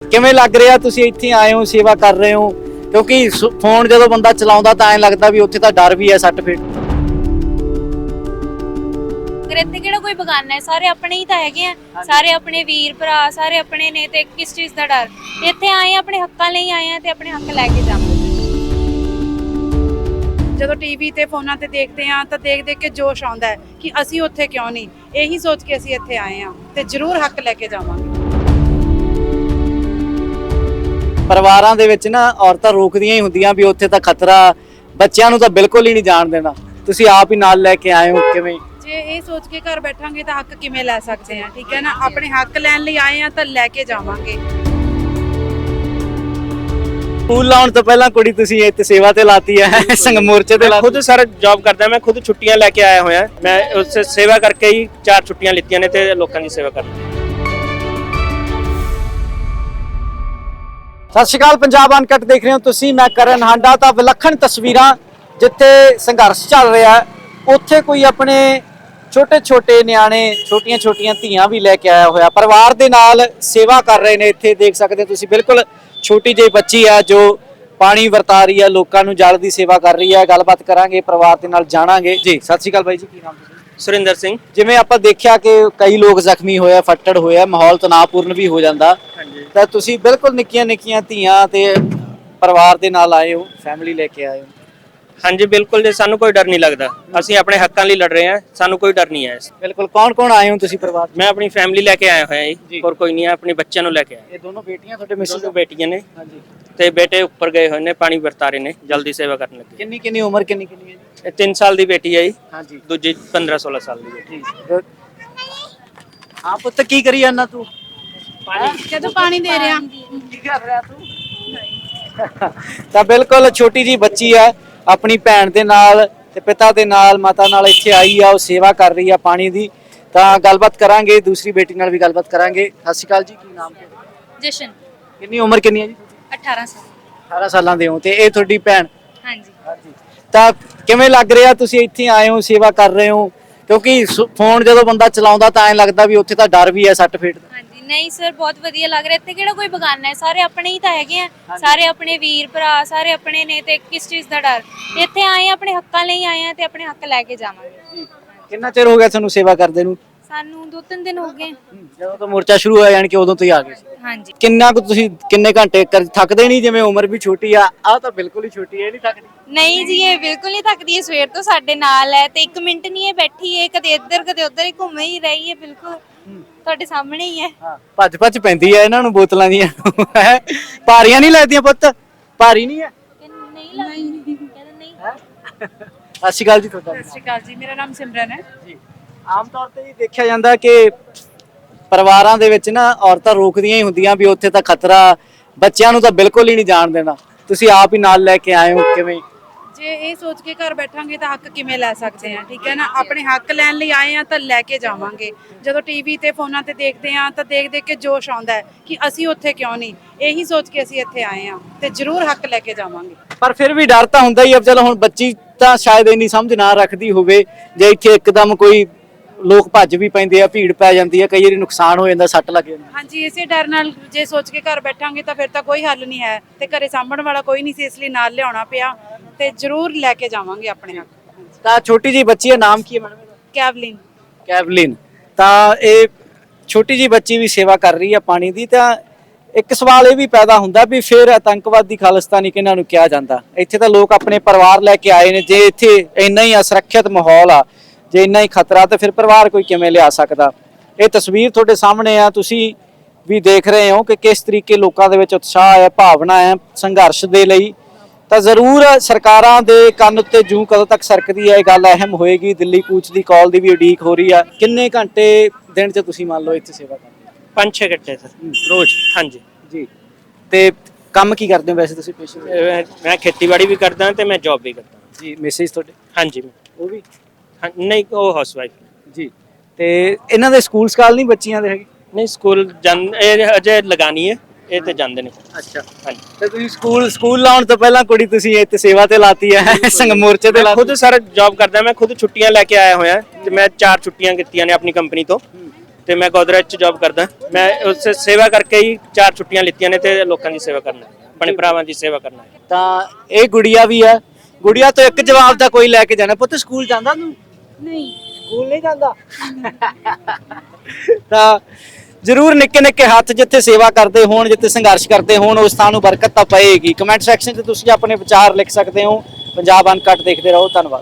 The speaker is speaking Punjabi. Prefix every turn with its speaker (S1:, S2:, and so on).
S1: ਕਿਵੇਂ ਲੱਗ ਰਿਹਾ ਤੁਸੀਂ ਇੱਥੇ ਆਏ ਹੋ ਸੇਵਾ ਕਰ ਰਹੇ ਹੋ? ਕਿਉਂਕਿ ਫੋਨ ਜਦੋਂ ਬੰਦਾ ਚਲਾਉਂਦਾ ਤਾਂ ਐਂ ਲੱਗਦਾ ਵੀ ਉੱਥੇ ਤਾਂ ਡਰ ਵੀ ਹੈ ਸੱਟ ਫੇਟ।
S2: ਇੱਥੇ ਕਿਹੜਾ ਕੋਈ ਬਗਾਨਾ ਹੈ, ਸਾਰੇ ਆਪਣੇ ਹੀ ਤਾਂ ਹੈਗੇ ਆ, ਸਾਰੇ ਆਪਣੇ ਵੀਰ ਭਰਾ, ਸਾਰੇ ਆਪਣੇ ਨੇ, ਤੇ ਕਿਸ ਚੀਜ਼ ਦਾ ਡਰ। ਇੱਥੇ ਆਏ ਆ ਆਪਣੇ ਹੱਕਾਂ ਲਈ ਆਏ ਆ ਤੇ ਆਪਣੇ ਹੱਕ ਲੈ ਕੇ ਜਾਵਾਂਗੇ।
S3: ਜਦੋਂ ਟੀਵੀ ਤੇ ਫੋਨਾਂ ਤੇ ਦੇਖਦੇ ਆ ਤਾਂ ਦੇਖ ਦੇਖ ਕੇ ਜੋਸ਼ ਆਉਂਦਾ ਹੈ ਕਿ ਅਸੀਂ ਉੱਥੇ ਕਿਉਂ ਨਹੀਂ। ਇਹੀ ਸੋਚ ਕੇ ਅਸੀਂ ਇੱਥੇ ਆਏ ਆ ਤੇ ਜ਼ਰੂਰ ਹੱਕ ਲੈ ਕੇ ਜਾਵਾਂਗੇ।
S1: ਪਰਿਵਾਰਾਂ ਦੇ ਵਿੱਚ ਨਾ ਔਰਤਾਂ ਰੋਕਦੀਆਂ ਹੀ ਹੁੰਦੀਆਂ ਵੀ ਉੱਥੇ ਤਾਂ ਖਤਰਾ, ਬੱਚਿਆਂ ਨੂੰ ਤਾਂ ਬਿਲਕੁਲ ਹੀ ਨਹੀਂ ਜਾਣ ਦੇਣਾ। ਤੁਸੀਂ ਆਪ ਹੀ ਨਾਲ ਲੈ ਕੇ ਆਏ ਹੋ, ਕਿਵੇਂ?
S3: ਜੇ ਇਹ ਸੋਚ ਕੇ ਘਰ ਬੈਠਾਂਗੇ ਤਾਂ ਹੱਕ ਕਿਵੇਂ ਲੈ ਸਕਦੇ ਆ? ਠੀਕ ਹੈ ਨਾ, ਆਪਣੇ ਹੱਕ ਲੈਣ ਲਈ ਆਏ ਆ ਤਾਂ ਲੈ ਕੇ ਜਾਵਾਂਗੇ।
S1: ਸਕੂਲ ਲਾਉਣ ਤੋਂ ਪਹਿਲਾਂ ਕੁੜੀ ਤੁਸੀਂ ਇੱਥੇ ਸੇਵਾ ਤੇ ਲਾਤੀ ਹੈ, ਸੰਗ ਮੋਰਚੇ ਤੇ ਲਾਤੀ।
S4: खुद सर जॉब करता मैं खुद छुट्टियां लेके आया हुआ मैं उससे सेवा करके ही 4 छुट्टियां लीतियां ने ते लोकां दी सेवा करनी।
S1: ਸਤਿ ਸ਼੍ਰੀ ਅਕਾਲ, ਪੰਜਾਬ ਅਨਕਟ ਦੇਖ ਰਹੇ ਹੋ ਤੁਸੀਂ, ਮੈਂ ਕਰਨ ਹਾਂਡਾ। ਤਾਂ ਵਿਲੱਖਣ ਤਸਵੀਰਾਂ ਜਿੱਥੇ ਸੰਘਰਸ਼ ਚੱਲ ਰਿਹਾ ਹੈ, ਉੱਥੇ ਕੋਈ ਆਪਣੇ ਛੋਟੇ ਛੋਟੇ ਨਿਆਣੇ, ਛੋਟੀਆਂ ਛੋਟੀਆਂ ਧੀਆਂ ਵੀ ਲੈ ਕੇ ਆਇਆ ਹੋਇਆ, ਪਰਿਵਾਰ ਦੇ ਨਾਲ ਸੇਵਾ ਕਰ ਰਹੇ ਨੇ। ਇੱਥੇ ਦੇਖ ਸਕਦੇ ਹੋ ਤੁਸੀਂ, ਬਿਲਕੁਲ ਛੋਟੀ ਜਿਹੀ ਬੱਚੀ ਹੈ ਜੋ ਪਾਣੀ ਵਰਤਾ ਰਹੀ ਹੈ, ਲੋਕਾਂ ਨੂੰ ਜਲ ਦੀ ਸੇਵਾ ਕਰ ਰਹੀ ਹੈ। ਗੱਲਬਾਤ ਕਰਾਂਗੇ, ਪਰਿਵਾਰ ਦੇ ਨਾਲ ਜਾਣਾਂਗੇ ਜੀ। ਸਤਿ ਸ਼੍ਰੀ ਅਕਾਲ ਬਾਈ ਜੀ, ਕੀ ਨਾਮ ਤੁਸੀਂ?
S4: सुरिंदर सिंह।
S1: ਜਿਵੇਂ ਆਪਾਂ ਦੇਖਿਆ ਕਿ ਕਈ ਲੋਕ ਜ਼ਖਮੀ ਹੋਏ, ਫੱਟੜ ਹੋਇਆ, ਮਾਹੌਲ ਤਣਾਅਪੂਰਨ ਵੀ ਹੋ ਜਾਂਦਾ, ਤਾਂ ਤੁਸੀਂ ਬਿਲਕੁਲ ਨਿੱਕੀਆਂ ਨਿੱਕੀਆਂ ਧੀਆਂ ਤੇ ਪਰਿਵਾਰ ਦੇ ਨਾਲ ਆਏ ਹੋ, ਫੈਮਿਲੀ ਲੈ ਕੇ ਆਏ ਹੋ।
S4: हाँ जी बिल्कुल जी, सानू कोई डर नहीं लगता, ਅਸੀਂ ਆਪਣੇ ਹੱਕਾਂ ਲਈ ਲੜ ਰਹੇ ਹਾਂ, ਸਾਨੂੰ ਕੋਈ ਡਰ ਨਹੀਂ ਹੈ।
S1: ਬਿਲकुल। ਕੌਣ ਕੌਣ ਆਏ ਹੋ ਤੁਸੀਂ ਪਰਿਵਾਰ?
S4: ਮੈਂ ਆਪਣੀ ਫੈਮਿਲੀ ਲੈ ਕੇ ਆਇਆ ਹੋਇਆ ਜੀ, ਹੋਰ ਕੋਈ ਨਹੀਂ ਹੈ, ਆਪਣੇ ਬੱਚਿਆਂ ਨੂੰ ਲੈ ਕੇ ਆਇਆ।
S1: ਇਹ ਦੋਨੋਂ ਬੇਟੀਆਂ ਤੁਹਾਡੇ ਮਿਸਿਸ?
S4: ਦੋ ਬੇਟੀਆਂ ਨੇ
S1: ਹਾਂਜੀ।
S4: ਤੇ ਬੇਟੇ ਉੱਪਰ ਗਏ ਹੋਏ ਨੇ, ਪਾਣੀ ਵਰਤਾ ਰਹੇ ਨੇ, ਜਲਦੀ ਸੇਵਾ ਕਰਨ ਲੱਗੇ।
S1: ਕਿੰਨੀ ਕਿੰਨੀ ਉਮਰ ਕਿੰਨੀ ਕਿੰਨੀ ਹੈ ਜੀ?
S4: ਇਹ 3 ਸਾਲ ਦੀ ਬੇਟੀ ਹੈ ਜੀ,
S1: ਹਾਂਜੀ।
S4: ਦੂਜੀ 15-16 ਸਾਲ ਦੀ ਬੇਟੀ।
S1: ਹਾਂ ਪੁੱਤ, ਕੀ ਕਰੀ ਜਾਂਦਾ ਤੂੰ?
S3: ਜਦੋਂ ਪਾਣੀ ਦੇ ਰਿਹਾ।
S1: ਕੀ ਕਰ ਰਿਹਾ ਤੂੰ? ਤਾਂ ਬਿਲਕੁਲ ਛੋਟੀ ਜੀ ਬੱਚੀ ਹੈ, ਆਪਣੀ ਭੈਣ ਦੇ ਨਾਲ ਤੇ ਪਿਤਾ ਦੇ ਨਾਲ, ਮਾਤਾ ਨਾਲ ਇੱਥੇ ਆਈ ਆ, ਉਹ ਸੇਵਾ ਕਰ ਰਹੀ ਆ ਪਾਣੀ ਦੀ। ਤਾਂ ਗੱਲਬਾਤ ਕਰਾਂਗੇ, ਦੂਸਰੀ ਬੇਟੀ ਨਾਲ ਵੀ ਗੱਲਬਾਤ ਕਰਾਂਗੇ। ਸਤਿ ਸ਼੍ਰੀ ਅਕਾਲ ਜੀ, ਕੀ ਨਾਮ ਹੈ?
S2: ਜਸ਼ਨ।
S1: ਕਿੰਨੀ ਉਮਰ ਕਿੰਨੀ ਹੈ ਜੀ?
S2: 18 ਸਾਲ।
S1: 18 ਸਾਲਾਂ ਦੇ ਹੋ, ਤੇ ਇਹ ਤੁਹਾਡੀ ਭੈਣ?
S2: ਹਾਂਜੀ।
S1: ਤਾਂ ਕਿਵੇਂ ਲੱਗ ਰਿਹਾ ਤੁਸੀਂ ਇੱਥੇ ਆਏ ਹੋ ਸੇਵਾ ਕਰ ਰਹੇ ਹੋ? ਕਿਉਂਕਿ ਫੋਨ ਜਦੋਂ ਬੰਦਾ ਚਲਾਉਂਦਾ ਤਾਂ ਐਂ ਲੱਗਦਾ ਵੀ ਉੱਥੇ ਤਾਂ ਡਰ ਵੀ ਹੈ ਸੱਟ ਫੇਟ ਦਾ।
S2: ਹਾਂਜੀ, ਨਹੀਂ ਸਰ, ਬਹੁਤ ਵਧੀਆ ਲੱਗ ਰਿਹਾ। ਇੱਥੇ ਕਿਹੜਾ ਕੋਈ ਬਗਾਨਾ ਹੈ, ਸਾਰੇ ਆਪਣੇ ਹੀ ਤਾਂ ਹੈਗੇ ਆ, ਸਾਰੇ ਆਪਣੇ ਵੀਰ ਭਰਾ, ਸਾਰੇ ਆਪਣੇ ਨੇ, ਤੇ ਕਿਸ ਚੀਜ਼ ਦਾ ਡਰ। ਇੱਥੇ ਆਏ ਆ ਆਪਣੇ ਹੱਕਾਂ ਲਈ ਆਏ ਆ ਤੇ ਆਪਣੇ ਹੱਕ ਲੈ ਕੇ ਜਾਵਾਂਗੇ।
S1: ਕਿੰਨਾ ਚਿਰ ਹੋ ਗਿਆ ਤੁਹਾਨੂੰ ਸੇਵਾ ਕਰਦੇ ਨੂੰ?
S2: ਸਾਨੂੰ 2-3 ਦਿਨ ਹੋ ਗਏ।
S1: ਜਦੋਂ ਤੋਂ ਮੋਰਚਾ ਸ਼ੁਰੂ ਹੋਇਆ, ਯਾਨੀ ਕਿ ਉਦੋਂ ਤੋਂ ਹੀ ਆ ਗਏ ਸੀ।
S2: ਹਾਂਜੀ।
S1: ਕਿੰਨਾ ਕੁ ਤੁਸੀਂ ਕਿੰਨੇ ਘੰਟੇ ਥੱਕਦੇ ਨਹੀਂ? ਜਿਵੇਂ ਉਮਰ ਵੀ ਛੋਟੀ ਆ, ਆਹ ਤਾਂ ਬਿਲਕੁਲ ਹੀ ਛੋਟੀ ਹੈ, ਇਹ ਨਹੀਂ ਥੱਕਦੀ?
S2: ਨਹੀਂ ਜੀ, ਇਹ ਬਿਲਕੁਲ ਨਹੀਂ ਥੱਕਦੀ ਹੈ, ਸਵੇਰ ਤੋਂ ਸਾਡੇ ਨਾਲ ਹੈ ਤੇ 1 ਮਿੰਟ ਨਹੀਂ ਇਹ ਬੈਠੀ ਹੈ, ਕਦੇ ਇੱਧਰ ਕਦੇ ਉੱਧਰ ਹੀ ਘੁੰਮ ਹੀ ਰਹੀ ਹੈ, ਬਿਲਕੁਲ ਤੁਹਾਡੇ ਸਾਹਮਣੇ ਹੀ ਹੈ।
S1: ਹਾਂ, ਭੱਜ ਭੱਜ ਪੈਂਦੀ ਹੈ ਇਹਨਾਂ ਨੂੰ ਬੋਤਲਾਂ ਦੀਆਂ। ਭਾਰੀਆਂ ਨਹੀਂ ਲੱਗਦੀਆਂ ਪੁੱਤ? ਭਾਰੀ ਨਹੀਂ ਹੈ?
S2: ਨਹੀਂ ਲੱਗਦੀ, ਕਹਿੰਦਾ ਨਹੀਂ।
S1: ਸਤਿ ਸ਼੍ਰੀ ਅਕਾਲ ਜੀ ਤੁਹਾਡਾ?
S3: ਸਤਿ ਸ਼੍ਰੀ ਅਕਾਲ ਜੀ, ਮੇਰਾ ਨਾਮ ਸਿਮਰਨ ਹੈ
S1: ਜੀ। ਆਮ ਤੌਰ ਤੇ ਹੀ ਦੇਖਿਆ ਜਾਂਦਾ ਕਿ ਪਰਿਵਾਰਾਂ ਦੇ ਵਿੱਚ ਨਾ ਔਰਤਾਂ ਰੋਕਦੀਆਂ ਹੀ ਹੁੰਦੀਆਂ ਵੀ ਉੱਥੇ ਤਾਂ ਖਤਰਾ, ਬੱਚਿਆਂ ਨੂੰ ਤਾਂ ਬਿਲਕੁਲ ਹੀ ਨਹੀਂ ਜਾਣ ਦੇਣਾ। ਤੁਸੀਂ ਆਪ ਹੀ ਨਾਲ ਲੈ ਕੇ ਆਏ ਹੋ, ਕਿਵੇਂ?
S3: ਜੇ ਇਹ ਸੋਚ ਕੇ ਘਰ ਬੈਠਾਂਗੇ ਤਾਂ ਹੱਕ ਕਿਵੇਂ ਲੈ ਸਕਦੇ ਆ? ਠੀਕ ਹੈ ਨਾ, ਆਪਣੇ ਹੱਕ ਲੈਣ ਲਈ ਆਏ ਆ ਤਾਂ ਲੈ ਕੇ ਜਾਵਾਂਗੇ। ਜਦੋਂ ਟੀਵੀ ਤੇ ਫੋਨਾਂ ਤੇ ਦੇਖਦੇ ਆ ਤਾਂ ਦੇਖ ਦੇਖ ਕੇ ਜੋਸ਼ ਆਉਂਦਾ ਹੈ ਕਿ ਅਸੀਂ ਉੱਥੇ ਕਿਉਂ ਨਹੀਂ। ਇਹੀ ਸੋਚ ਕੇ ਅਸੀਂ ਇੱਥੇ ਆਏ ਆ ਤੇ ਜ਼ਰੂਰ ਹੱਕ ਲੈ ਕੇ ਜਾਵਾਂਗੇ।
S1: ਪਰ ਫਿਰ ਵੀ ਡਰ ਤਾਂ ਹੁੰਦਾ ਹੀ ਆ। ਚਲੋ ਹੁਣ ਬੱਚੀ ਤਾਂ ਸ਼ਾਇਦ ਇੰਨੀ ਸਮਝ ਨਾ ਰੱਖਦੀ ਹੋਵੇ, ਜੇ ਇੱਥੇ ਇੱਕਦਮ ਕੋਈ ਲੋਕ ਭੱਜ ਵੀ ਪੈਂਦੇ ਆ, ਭੀੜ ਪੈ ਜਾਂਦੀ ਹੈ, ਕਈ ਵਾਰੀ ਨੁਕਸਾਨ ਹੋ ਜਾਂਦਾ, ਸੱਟ ਲੱਗ ਜਾਂਦੀ।
S3: ਹਾਂਜੀ, ਇਸੇ ਡਰ ਨਾਲ ਜੇ ਸੋਚ ਕੇ ਘਰ ਬੈਠਾਂਗੇ ਤਾਂ ਫਿਰ ਤਾਂ ਕੋਈ ਹੱਲ ਨਹੀਂ ਹੈ ਤੇ ਘਰੇ ਸਾਂਭਣ ਵਾਲਾ ਕੋਈ ਨਹੀਂ ਸੀ, ਇਸ ਲਈ ਨਾਲ ਲਿਆਉਣਾ ਪਿਆ ਤੇ ਜ਼ਰੂਰ ਲੈ ਕੇ ਜਾਵਾਂਗੇ ਆਪਣੇ ਹੱਕ।
S1: ਤਾਂ ਛੋਟੀ ਜੀ ਬੱਚੀ ਦਾ ਨਾਮ ਕੀ ਹੈ ਮੈਡਮ?
S3: ਕੈਵਲਿਨ।
S1: ਕੈਵਲਿਨ। ਤਾਂ ਇਹ ਛੋਟੀ ਜੀ ਬੱਚੀ ਵੀ ਸੇਵਾ ਕਰ ਰਹੀ ਹੈ ਪਾਣੀ ਦੀ। ਤਾਂ ਇੱਕ ਸਵਾਲ ਇਹ ਵੀ ਪੈਦਾ ਹੁੰਦਾ ਵੀ ਫਿਰ ਆਤੰਕਵਾਦੀ ਖਾਲਿਸਤਾਨੀ ਕਿਹਨਾਂ ਨੂੰ ਕਿਹਾ ਜਾਂਦਾ? ਇੱਥੇ ਤਾਂ ਲੋਕ ਆਪਣੇ ਪਰਿਵਾਰ ਲੈ ਕੇ ਆਏ ਨੇ। ਜੇ ਇੱਥੇ ਇੰਨਾ ਹੀ ਅਸੁਰੱਖਿਅਤ ਮਾਹੌਲ ਆ, ਜੇ ਇੰਨਾ ਹੀ ਖਤਰਾ, ਤਾਂ ਫਿਰ ਪਰਿਵਾਰ ਕੋਈ ਕਿਵੇਂ ਲਿਆ ਸਕਦਾ? ਇਹ ਤਸਵੀਰ ਤੁਹਾਡੇ ਸਾਹਮਣੇ ਆ, ਤੁਸੀਂ ਵੀ ਦੇਖ ਰਹੇ ਹੋ ਕਿ ਕਿਸ ਤਰੀਕੇ ਲੋਕਾਂ ਦੇ ਵਿੱਚ ਉਤਸ਼ਾਹ ਹੈ, ਭਾਵਨਾ ਹੈ ਸੰਘਰਸ਼ ਦੇ ਲਈ। ਤਾਂ ਜ਼ਰੂਰ ਸਰਕਾਰਾਂ ਦੇ ਕੰਨ ਉੱਤੇ ਜੂੰ ਕਦੋਂ ਤੱਕ ਸਰਕਦੀ ਹੈ, ਇਹ ਗੱਲ ਅਹਿਮ ਹੋਏਗੀ। ਦਿੱਲੀ ਕੂਚ ਦੀ ਕਾਲ ਦੀ ਵੀ ਉਡੀਕ ਹੋ ਰਹੀ ਆ। ਕਿੰਨੇ ਘੰਟੇ ਦਿਨ 'ਚ ਤੁਸੀਂ ਮੰਨ ਲਓ ਇੱਥੇ ਸੇਵਾ ਕਰਦੇ ਹੋ?
S4: 5-6 ਘੰਟੇ ਸਰ
S1: ਰੋਜ਼?
S4: ਹਾਂਜੀ
S1: ਜੀ। ਤੇ ਕੰਮ ਕੀ ਕਰਦੇ ਹੋ ਵੈਸੇ ਤੁਸੀਂ ਪੇਸ਼ੇ?
S4: ਮੈਂ ਖੇਤੀਬਾੜੀ ਵੀ ਕਰਦਾ ਤੇ ਮੈਂ ਜੌਬ ਵੀ ਕਰਦਾ
S1: ਜੀ। ਮੈਸੇਜ ਤੁਹਾਡੇ?
S4: ਹਾਂਜੀ।
S1: ਉਹ ਵੀ?
S4: ਨਹੀਂ, ਉਹ ਹਾਊਸ ਵਾਈਫ
S1: ਜੀ। ਤੇ ਇਹਨਾਂ ਦੇ ਸਕੂਲ ਸਕਾਲ ਨਹੀਂ ਬੱਚੀਆਂ ਦੇ ਹੈਗੇ?
S4: ਨਹੀਂ, ਸਕੂਲ ਇਹ ਅਜੇ ਲਗਾਣੀ ਹੈ, ਇਹ ਤੇ ਜਾਂਦੇ ਨੇ।
S1: ਅੱਛਾ।
S4: ਹਾਂਜੀ।
S1: ਤੇ ਤੁਸੀਂ ਸਕੂਲ ਲਾਉਣ ਤੋਂ ਪਹਿਲਾਂ ਕੁੜੀ ਤੁਸੀਂ ਇੱਥੇ ਸੇਵਾ ਤੇ ਲਾਤੀ ਹੈ, ਸੰਗ ਮੋਰਚੇ ਤੇ ਲਾਤੀ?
S4: ਖੁਦ ਸਰ ਜੌਬ ਕਰਦਾ ਮੈਂ ਖੁਦ ਛੁੱਟੀਆਂ ਲੈ ਕੇ ਆਇਆ ਹੋਇਆ ਤੇ ਮੈਂ 4 ਛੁੱਟੀਆਂ ਕੀਤੀਆਂ ਨੇ ਆਪਣੀ ਕੰਪਨੀ ਤੋਂ ਤੇ ਮੈਂ ਗੋਦਰੇਜ 'ਚ ਜੌਬ ਕਰਦਾ। ਮੈਂ ਉਸ ਸੇਵਾ ਕਰਕੇ ਹੀ 4 ਛੁੱਟੀਆਂ ਲਿੱਤੀਆਂ ਨੇ ਤੇ ਲੋਕਾਂ ਦੀ ਸੇਵਾ ਕਰਨਾ, ਆਪਣੇ ਭਰਾਵਾਂ ਦੀ ਸੇਵਾ ਕਰਨਾ।
S1: ਤਾਂ ਇਹ ਗੁੜੀਆ ਵੀ ਹੈ। ਗੁੜੀਆ ਤੋਂ ਇੱਕ ਜਵਾਬ ਦਾ ਕੋਈ ਲੈ ਕੇ ਜਾਣਾ। ਪੁੱਤ ਸਕੂਲ ਜਾਂਦਾ ਤੂੰ?
S3: ਨਹੀਂ
S1: ਸਕੂਲ ਨਹੀਂ ਜਾਂਦਾ। ਤਾਂ ਜ਼ਰੂਰ ਨਿੱਕੇ ਨਿੱਕੇ ਹੱਥ ਜਿੱਥੇ ਸੇਵਾ ਕਰਦੇ ਹੋਣ, ਜਿੱਥੇ ਸੰਘਰਸ਼ ਕਰਦੇ ਹੋਣ, ਉਸ ਥਾਂ ਨੂੰ ਬਰਕਤ ਤਾਂ ਪਏਗੀ। ਕਮੈਂਟ ਸੈਕਸ਼ਨ 'ਚ ਤੁਸੀਂ ਆਪਣੇ ਵਿਚਾਰ ਲਿਖ ਸਕਦੇ ਹੋ। ਪੰਜਾਬ ਅਨਕਟ ਦੇਖਦੇ ਰਹੋ। ਧੰਨਵਾਦ।